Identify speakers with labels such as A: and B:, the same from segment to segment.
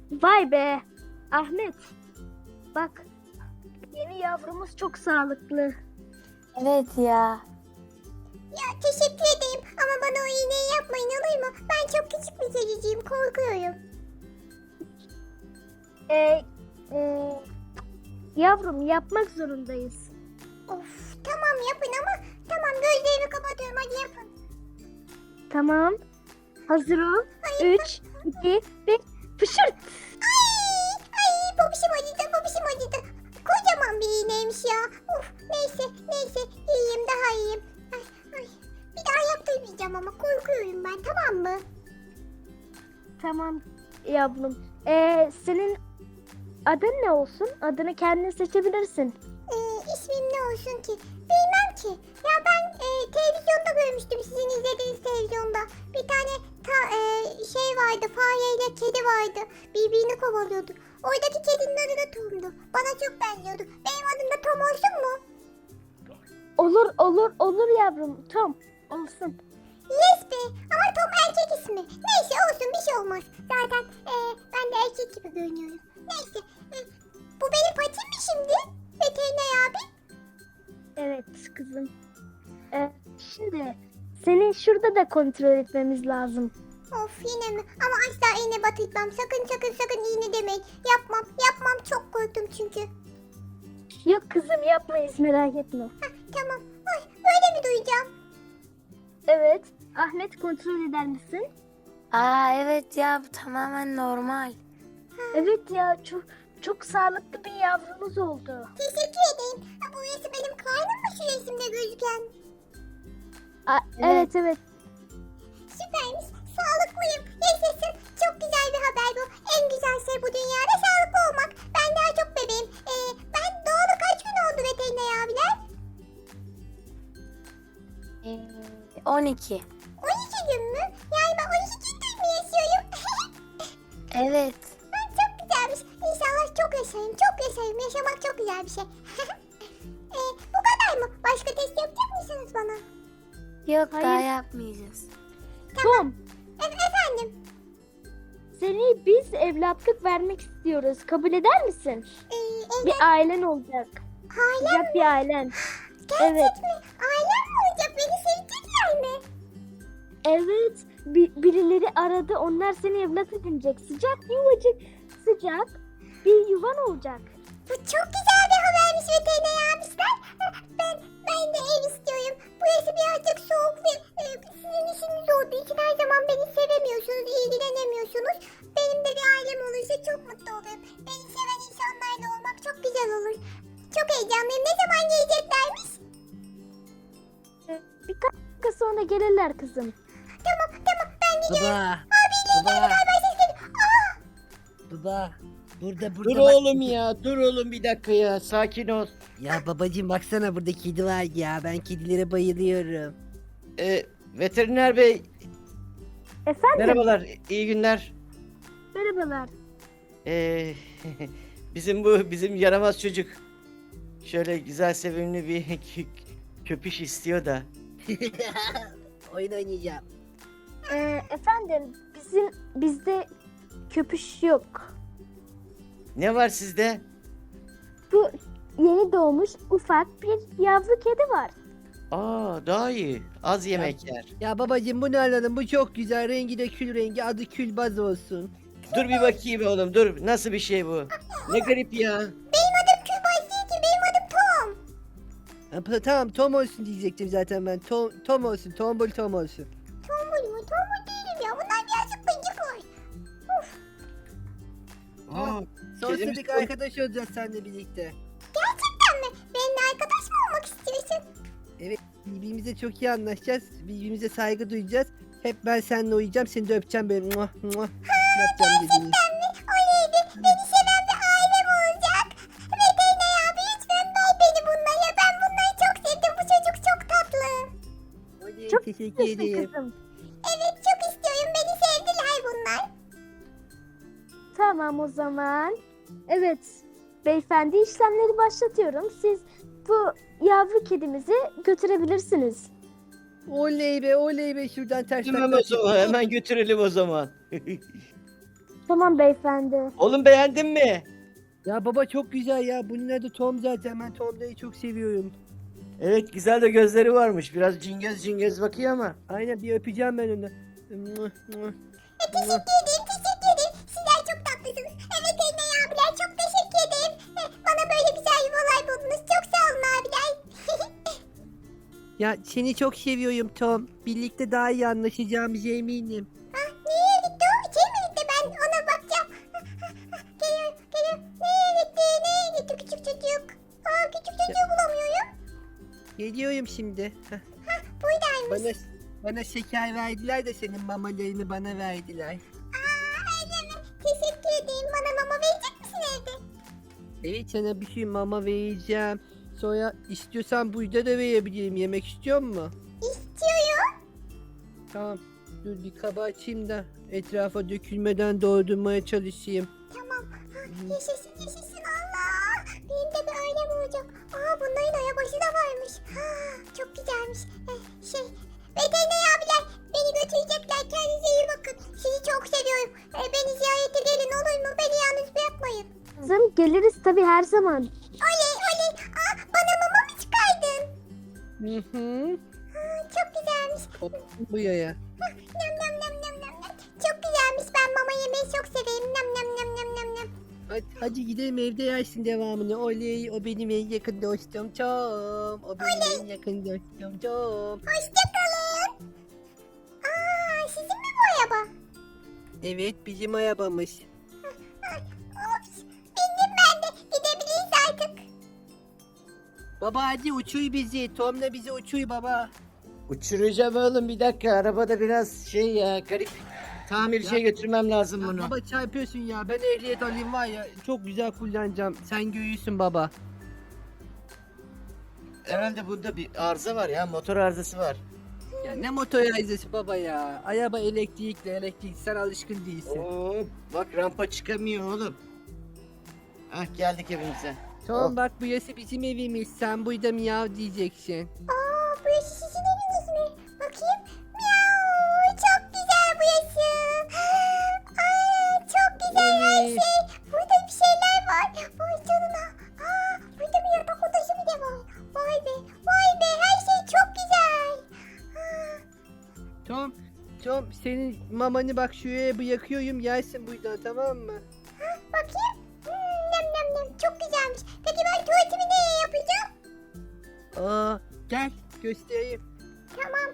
A: Vay be. Ahmet. Bak. Yeni yavrumuz çok sağlıklı.
B: Evet ya.
C: Ya teşekkür ederim ama bana o iğneyi yapmayın olur mu? Ben çok küçük bir çocuğum, korkuyorum.
A: Ee, e, Yavrum yapmak zorundayız.
C: Of tamam yapın ama tamam gözlerimi kapatıyorum hadi yapın.
A: Tamam. Hazır ol. 3, 2, 1. Fışırt.
C: Ay babişim acıdı babişim acıdı. Kocaman bir iğneymiş ya. Of neyse iyiyim daha iyiyim. Ay. Bir daha yaptırmayacağım ama korkuyorum ben tamam mı?
A: Tamam yavrum. Senin adın ne olsun? Adını kendin seçebilirsin.
C: İsmim ne olsun ki? Bilmem ki. Ya ben televizyonda görmüştüm sizin izlediğiniz televizyonda. Bir tane şey vardı fareyle kedi vardı. Birbirini kovalıyordu. Oradaki kedinin adı da Tom'du. Bana çok benziyordu. Benim adım da Tom olsun mu?
A: Olur yavrum. Tom olsun.
C: Yes be ama Tom erkek ismi. Neyse olsun bir şey olmaz. Zaten ben de erkek gibi görünüyorum. Neyse. Bu benim patim mi şimdi? Veteriner abi.
A: Evet kızım. Şimdi seni şurada da kontrol etmemiz lazım.
C: Of yine mi? Ama asla iğne batırtmam. Sakın iğne demeyin. Yapmam çok korktum çünkü.
A: Yok kızım yapmayız merak etme.
C: Tamam. Ay böyle mi duyacağım?
A: Evet. Ahmet kontrol eder misin?
B: Aa evet ya, bu tamamen normal.
A: Evet ya çok sağlıklı bir yavrumuz oldu.
C: Teşekkür ederim. Ha, bu resim benim karnım mı şu resimde gözüken?
A: Evet.
C: Süpermiş. Sağlıklıyım. Yaşasın. Çok güzel bir haber bu. En güzel şey bu dünyada sağlıklı olmak. Ben daha çok bebeğim. Ben doğalı kaç gün oldu veteriner abiler?
B: 12.
C: 12 gün mü? Yani ben 12 gündür mü yaşıyorum?
B: Evet.
C: Çok güzelmiş. İnşallah çok yaşayayım. Çok yaşayayım. Yaşamak çok güzel bir şey. Bu kadar mı? Başka test yapacak mısınız bana?
B: Yok, daha
A: Hayır.
B: yapmayacağız.
A: Tom,
C: Efendim?
A: seni biz evlatlık vermek istiyoruz. Kabul eder misin? Bir ailen olacak.
C: Ailem
A: Sıcak bir ailen.
C: gerçek
A: Evet.
C: mi? Ailem mi olacak? Beni sevecekler mi?
A: Evet. Birileri aradı. Onlar seni evlat edinecek. Sıcak yuvacık. Sıcak bir yuvan olacak.
C: Bu çok güzel bir habermiş veteriner abisler. Ben de ev istiyorum. Burası birazcık soğuk ve sizin işiniz olduğu için her zaman beni sevemiyorsunuz, ilgilenemiyorsunuz. Benim de bir ailem olursa çok mutlu olurum. Beni seven insanlarla olmak çok güzel olur. Çok heyecanlıyım. Ne zaman geleceklermiş?
A: Birkaç dakika sonra gelirler kızım.
C: Tamam ben gidiyorum.
D: Baba.
C: Abiyle
D: Baba.
C: beraber ses geliyor. Aa!
D: Baba. Burada
E: Dur
D: bak.
E: oğlum ya, dur oğlum bir dakika ya, sakin ol.
D: Ya babacığım baksana, burada kedi var ya. Ben kedilere bayılıyorum.
E: Veteriner bey,
A: Efendim?
E: merhabalar, iyi günler.
A: Merhabalar.
E: Ee, bizim yaramaz çocuk şöyle güzel sevimli bir köpüş istiyor da.
D: Oyun oynayacağım.
A: Efendim bizde köpüş yok.
E: Ne var sizde?
A: Bu yeni doğmuş ufak bir yavru kedi var.
E: Aa, daha iyi. Az yemek yer.
D: Ya babacığım bunu alalım. Bu çok güzel. Rengi de kül rengi. Adı Külbaz olsun.
E: Dur bir bakayım oğlum, dur. Nasıl bir şey bu? Ne garip ya.
C: Benim adım Kübay değil ki. Benim adım Tom.
D: Tamam, Tom olsun diyecektim zaten ben. Tom olsun. Tombul Tom olsun.
C: Tombul mu? Tombul değilim ya. Bunlar birazcık bıcık var.
E: Aa, kedimiz
D: Sonsuzduk
E: çok-
D: arkadaş olacağız seninle birlikte.
C: Gerçekten mi? Benimle arkadaş mı olmak istiyorsun?
D: Birbirimize çok iyi anlaşacağız. Birbirimize saygı duyacağız. Hep ben seninle uyuyacağım. Seni de öpeceğim böyle. Muah, muah. Yapacağım dediğini.
C: Gerçekten mi? Oleydi. Beni seven bir ailem olacak. Veteriner abi lütfen ver beni bunlara. Ben bunları çok sevdim. Bu çocuk çok tatlı.
D: Oley,
A: Çok
D: teşekkür
A: Teşekkür
D: ederim.
A: kızım.
C: Evet çok istiyorum. Beni sevdiler bunlar.
A: Tamam o zaman. Evet. Beyefendi işlemleri başlatıyorum. Siz bu yavru kedimizi götürebilirsiniz.
D: Oley be şuradan ters
E: Hemen
D: takla
E: o zaman, hemen götürelim o zaman.
A: Tamam beyefendi.
E: Oğlum beğendin mi?
D: Ya baba çok güzel ya. Bunun adı Tom zaten. Ben Tom'ları çok seviyorum.
E: Evet güzel de gözleri varmış. Biraz cingöz cingöz bakıyor ama.
D: Aynen bir öpeceğim ben onu. Mwah, mwah.
C: Teşekkür ederim, teşekkür ederim. Sizler çok tatlısınız. Evet Eynay abiler çok teşekkür ederim. Bana böyle güzel yuvalar buldunuz. Çok sağ olun abiler.
D: Ya seni çok seviyorum Tom. Birlikte daha iyi anlaşacağımıza eminim.
C: Nereye gitti o? İçeri mi gitti? Ben ona bakacağım. Geliyor, geliyor. Nereye gitti küçük çocuk? Küçük çocuğu bulamıyorum.
D: Geliyorum şimdi. Heh.
C: Buradaymış.
D: Bana şeker verdiler de senin mamalarını bana verdiler.
C: Öyle mi? Teşekkür ederim. Bana mama verecek misin evde?
D: Evet sana bir şey mama vereceğim. Sonra istiyorsan burada da verebilirim. Yemek istiyor musun?
C: İstiyorum.
D: Tamam. Dur bir kaba açayım da etrafa dökülmeden doldurmaya çalışayım.
C: Tamam. Yaşasın yaşasın Allah. Benim de bir ailem olacak. Bunların ayabaşı da varmış. Çok güzelmiş. Veteriner abiler beni götürecekler. Kendinize iyi bakın. Sizi çok seviyorum. Beni ziyarete gelin olur mu? Beni yalnız bırakmayın.
A: Kızım geliriz tabii her zaman.
C: Oley oley. Bana mama mı çıkardın?
D: Hı hı.
C: Çok güzelmiş.
D: Hop buraya.
C: Nam nam nam nam nam nam. Çok güzelmiş. Ben mama yemeyi çok severim. Nam nam nam nam nam nam.
D: Hadi gidelim evde yersin devamını. Oley o benim en yakın dostum Tom. O benim en yakın dostum Tom.
C: Hoşçakalın. Sizin mi bu araba?
D: Evet bizim arabamız.
C: Ops. Bindim ben de. Gidebiliriz artık.
D: Baba hadi uçuy bizi. Tom'la bizi uçuy baba.
E: Uçuracağım oğlum bir dakika. Arabada biraz şey ya garip. Tamirciye götürmem lazım bunu.
D: Baba çarpıyorsun ya. Ben ehliyet alayım var ya. Çok güzel kullanacağım. Sen görüyorsun baba.
E: Herhalde bunda bir arıza var ya. Motor arızası var.
D: Ya ne motor arızası baba ya. Araba elektrikli. Sen alışkın değilsin.
E: Oo, bak rampa çıkamıyor oğlum. Ah geldik evimize.
D: Tom bak burası bizim evimiz. Sen burada miyav diyeceksin.
C: Burası sizin eviniz mi? Bakayım. Miau. Çok güzel burası. Çok güzel her
D: Oley.
C: şey. Burada bir şeyler var. Vay canına. Burada bir yatak odası mı da var? Vay be. Vay be. Her şey çok güzel.
D: Tom senin mamanı bak şuraya bırakıyorum. Yersin buradan tamam mı?
C: Bakayım. Nem nem nem. Çok güzelmiş. Peki ben tuvaletimi nereye yapacağım?
D: Gel göstereyim.
C: Tamam.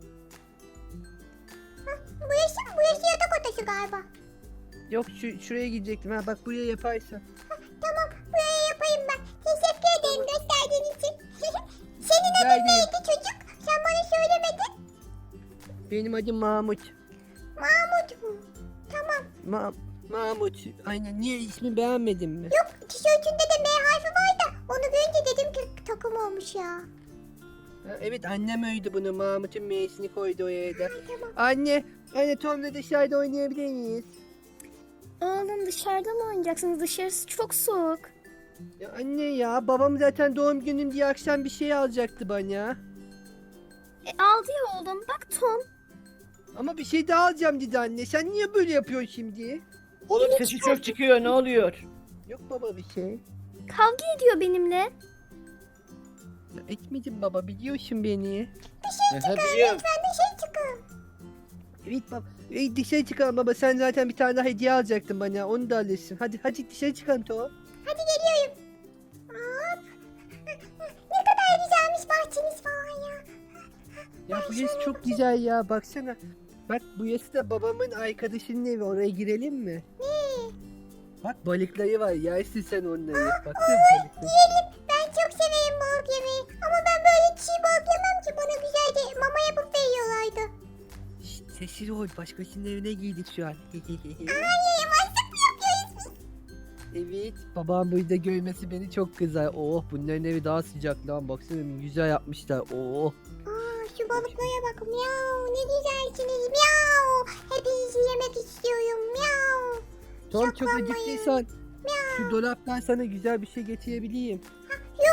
C: Burası mı? Burası yatak odası galiba.
D: Yok şuraya gidecektim ha bak buraya yaparsın.
C: Tamam. Buraya yapayım ben. Teşekkür ederim gösterdiğin için. Senin
D: Rica
C: adın
D: ederim.
C: neydi çocuk? Sen bana söylemedin.
D: Benim adım Mahmut.
C: Mahmut mu? Tamam.
D: Mahmut. Aynen niye ismi beğenmedin mi?
C: Yok tişörtünde de M harfi var da onu görünce dedim ki takım olmuş ya.
D: Ha, evet annem öydü bunu. Mahmut'un M'sini koydu oraya da.
C: Tamam.
D: Anne Tom'la dışarıda oynayabilir miyiz?
A: Oğlum dışarıda mı oynayacaksınız? Dışarısı çok soğuk.
D: Ya anne ya babam zaten doğum günüm diye akşam bir şey alacaktı bana.
A: Aldı ya oğlum. Bak Tom.
D: Ama bir şey daha alacağım dedi anne. Sen niye böyle yapıyorsun şimdi?
E: Oğlum sesi çok çıkıyor ne oluyor?
D: Yok baba bir şey.
A: Kavga ediyor benimle.
D: Ya etmedim baba biliyorsun beni.
E: Aha, biliyorum.
C: Ben de şey çıkın.
D: Evet baba. Dışarı çıkalım baba sen zaten bir tane daha hediye alacaktın bana onu da alırsın. Hadi dışarı çıkalım Tom.
C: Hadi geliyorum. Hop. Ne kadar güzelmiş bahçeniz falan ya.
D: Ya burası çok güzel ya baksana. Bak burası da babamın arkadaşının evi oraya girelim mi?
C: Ne?
D: Bak balıkları var yersin sen onları. Baksana balıkları.
C: Yiyelim. Ben çok severim balık yemeyi. Ama ben böyle çiğ balık yemem ki. Bana güzelce mama yapıp veriyorlardı.
D: Şşt, sessiz ol başkasının evine girdik şu an.
C: Yemezsek mi yapıyoruz biz?
D: Evet babam burada görmesi beni çok kızar. Oh bunların evi daha sıcak lan baksana güzel yapmışlar. Oh.
C: Şu balıklara bak. Miau. Ne güzelsiniz. Miau. Hepinizi yemek istiyorum. Miau.
D: Tom çok
C: Şaklamayın.
D: acıktıysan şu dolaptan sana güzel bir şey getirebileyim.
C: Yo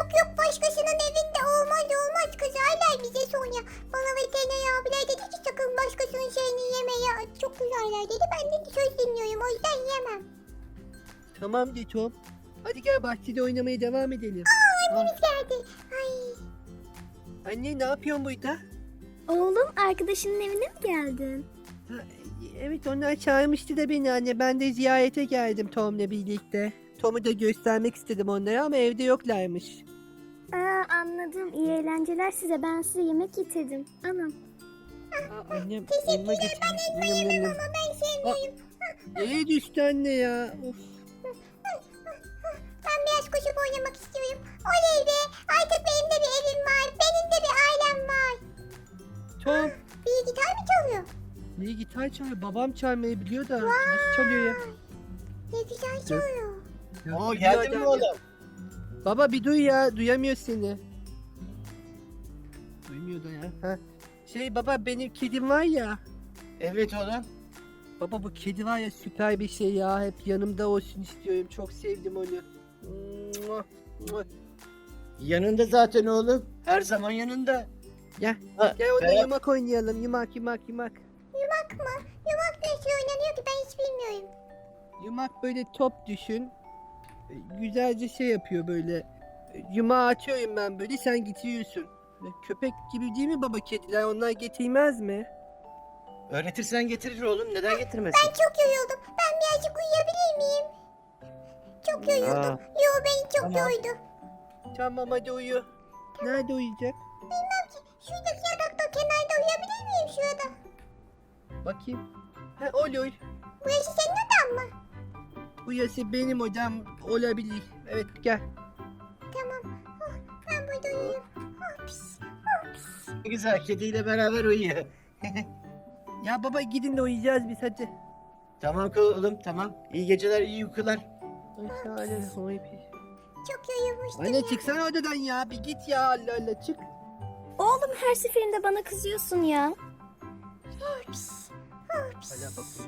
C: Yok yok, başkasının evinde olmaz olmaz, kızarlar bize sonra. Bana veteriner abiler dedi ki sakın başkasının şeyini yeme ya, çok kızarlar dedi. Ben de söz dinliyorum, o yüzden yemem.
D: Tamam de Tom. Hadi gel bahçede oynamaya devam edelim.
C: Annemiz geldi. Ay.
D: Anne ne yapıyorsun burada?
A: Oğlum arkadaşının evine mi geldin?
D: Ha, evet onlar çağırmıştı da beni anne. Ben de ziyarete geldim Tom'la birlikte. Tom'u da göstermek istedim onlara ama evde yoklarmış.
A: Anladım. İyi eğlenceler size. Ben size yemek getirdim. Anam.
D: Aa, annem
C: Teşekkürler,
D: elma getirmiş.
C: ben elma yemem ama ben sevmiyorum.
D: Nereye düştü anne ya? Of.
C: Ben biraz koşup oynamak istiyorum. Oley be, artık benim de bir evim var. Benim de bir ailem var.
D: Tom.
C: Bir gitar mı çalıyor?
D: Ne gitar çalıyor? Babam çalmayı biliyor da nasıl çalıyor ya?
C: Ne güzel çalıyor.
D: Ya,
E: Oo
D: biliyor
E: geldin mi
D: adam ya.
E: oğlum?
D: Baba bir duy ya. Duyamıyor seni. Duymuyor da ya. Ha. Baba benim kedim var ya.
E: Evet oğlum.
D: Baba bu kedi var ya süper bir şey ya. Hep yanımda olsun istiyorum. Çok sevdim onu. Mua, mua.
E: Yanında zaten oğlum. Her zaman yanında.
D: Gel.
E: Ha,
D: Gel onda
E: Berat,
D: yumak oynayalım. Yumak yumak yumak.
C: Yumak mı? Yumak nasıl oynanıyor ki, ben hiç bilmiyorum.
D: Yumak böyle top düşün. Güzelce şey yapıyor böyle. Yumağı atıyorum ben böyle sen getiriyorsun. Köpek gibi değil mi baba kediler? Onlar getirmez mi?
E: öğretirsen getirir oğlum. Neden getirmesin?
C: Ben çok yoruldum. Ben birazcık uyuyabilir miyim? Çok yoruldum.
E: Aa.
C: Yo, beni çok
E: Tamam.
C: yordu.
D: Tamam hadi uyu. Nerede uyuyacak?
C: Bilmem ki. Şuradaki yatakta kenarda uyuyabilir miyim şurada?
D: Bakayım. Ha olur.
C: Burası senin odan mı?
D: Burası benim odam olabilir. Evet gel.
C: Tamam. Oh, ben burada uyuyayım. Oh, pis. Oh, pis.
E: Ne güzel kediyle beraber uyuyor.
D: Ya baba gidin de uyuyacağız biz hadi.
E: Tamam oğlum tamam. İyi geceler, iyi uykular.
D: Ay, şahane. Oy, pis.
C: Çok yorulmuştum
D: Anne
C: ya.
D: çıksana odadan ya. Bir git ya Allah Allah çık.
A: Oğlum her seferinde bana kızıyorsun ya.
C: Oh, pis. Oh, pis.
D: Hala bakıyor.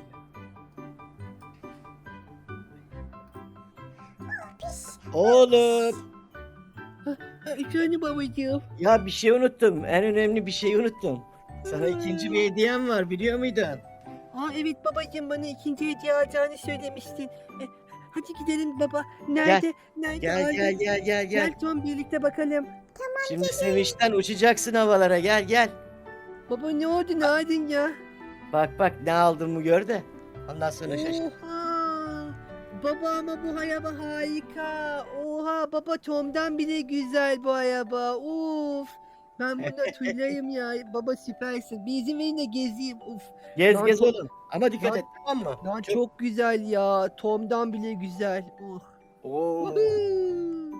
C: Oh, pis.
E: Oğlum.
D: Ha, efendim babacığım.
E: Ya bir şey unuttum. En önemli bir şeyi unuttum. Sana ikinci bir hediyem var biliyor muydun?
D: Aa evet babacığım bana ikinci hediye alacağını söylemiştin. Hadi gidelim baba. Nerede? Nerede?
E: Gel
D: aldın?
E: gel gel gel gel.
D: Gel Tom birlikte bakalım.
E: Şimdi sevinçten uçacaksın havalara gel gel.
D: Baba ne oldu ne aldın ya?
E: Bak bak ne aldığımı gör de. Ondan sonra şaşır.
D: Oha! Baba ama bu araba harika. Oha baba Tom'dan bile güzel bu araba. Uf. Ben buna tüylayım ya. Baba süpersin. Bir izin verin de gezeyim. Uf.
E: Gez
D: Lan
E: gez
D: çok-
E: oğlum. Ama dikkat
D: Lan-
E: et tamam mı?
D: Lan çok güzel ya. Tom'dan bile güzel. Uh.
E: Oo.
D: Woohoo!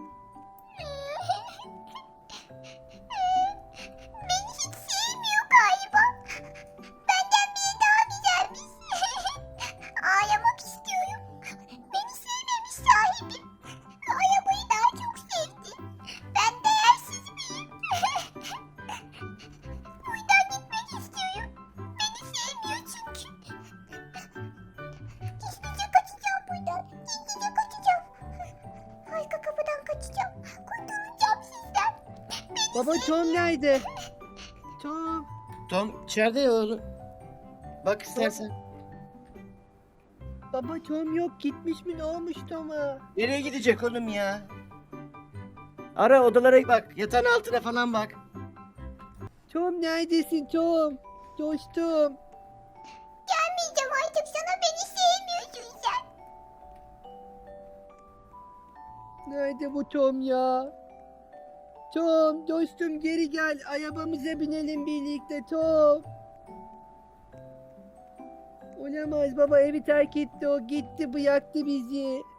C: Beni hiç sevmiyor galiba. Benden biri daha güzelmiş. Ağlamak istiyorum. Beni sevmemiş sahibim. Arabayı daha çok sevdi. Ben değersiz miyim? Buradan gitmek istiyorum. Beni sevmiyor çünkü. Gizlice kaçacağım buradan. Gizlice kaçacağım. Arka kapıdan kaçacağım. Kurtulacağım sizden.
D: Baba Tom nerede? Tom.
E: Tom içeride ya oğlum. Bak istersen.
D: Baba Tom yok gitmiş mi ne olmuş Tom'a?
E: Nereye gidecek oğlum ya? Ara odalara bak. Yatağın altına falan bak.
D: Tom neredesin Tom? Dostum.
C: Gelmeyeceğim artık sana, beni sevmiyorsun sen.
D: Nerede bu Tom ya? Tom dostum geri gel. Arabamıza binelim birlikte Tom. Olamaz baba evi terk etti o gitti bıraktı bizi.